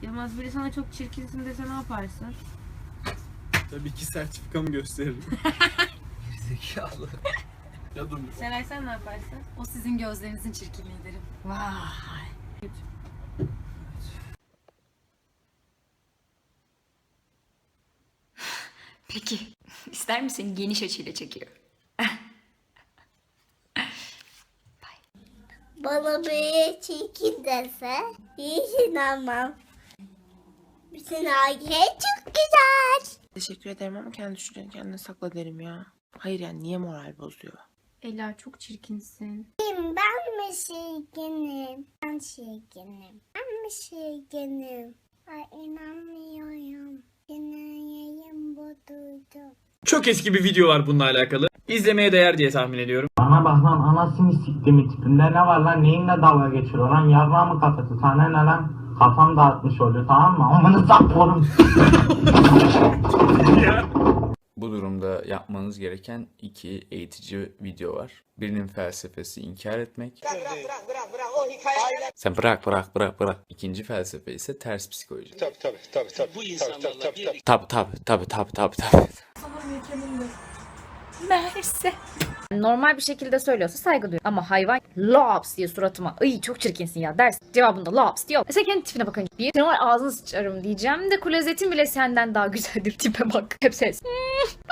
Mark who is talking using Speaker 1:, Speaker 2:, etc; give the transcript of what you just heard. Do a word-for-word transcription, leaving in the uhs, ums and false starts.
Speaker 1: Yılmaz biri sana çok çirkinsin dese ne yaparsın?
Speaker 2: Tabii ki sertifikamı gösteririm.
Speaker 3: Zekalı.
Speaker 2: Ya dur.
Speaker 1: Seray sen ne yaparsın?
Speaker 4: O sizin gözlerinizin çirkinliği derim.
Speaker 1: Vay.
Speaker 4: Peki. İster misin geniş açıyla çekiyor?
Speaker 5: Bana bir çirkin dese hiç inanmam. Bütün aile çok güzel.
Speaker 6: Teşekkür ederim ama kendi düşünceni kendine sakla derim ya. Hayır yani niye moral bozuyor?
Speaker 1: Ela çok çirkinsin.
Speaker 5: Ben mi çirkinim? Ben çirkinim. Ben mi çirkinim? Ay inanmıyorum. Dinleyeyim bu duydum.
Speaker 7: Çok eski bir video var bununla alakalı. İzlemeye değer diye tahmin ediyorum.
Speaker 8: Bana bak lan anasını siktiğimi tipinde ne var lan neyinle dalga geçiyor lan yarrağımı kafası sana ne lan kafam dağıtmış oluyor tamam mı amanı saplarım.
Speaker 3: Bu durumda yapmanız gereken iki eğitici video var. Birinin felsefesi inkar etmek. Sen bırak bırak bırak bırak. İkinci felsefe ise ters psikoloji.
Speaker 9: Tabii tabii tabii tabii. Bu insanlarla bir
Speaker 3: Tabi tabi tabi tabi tabi tabi.
Speaker 4: Merse. Normal bir şekilde söylüyorsa saygı duyuyorum. Ama hayvan laps diye suratıma "Iy çok çirkinsin ya" ders. Cevabında laps diyor. Mesela kendi tipine bakın. Bir senin var ağzını sıçarım diyeceğim de klozetin bile senden daha güzeldir tipe bak. Hep ses.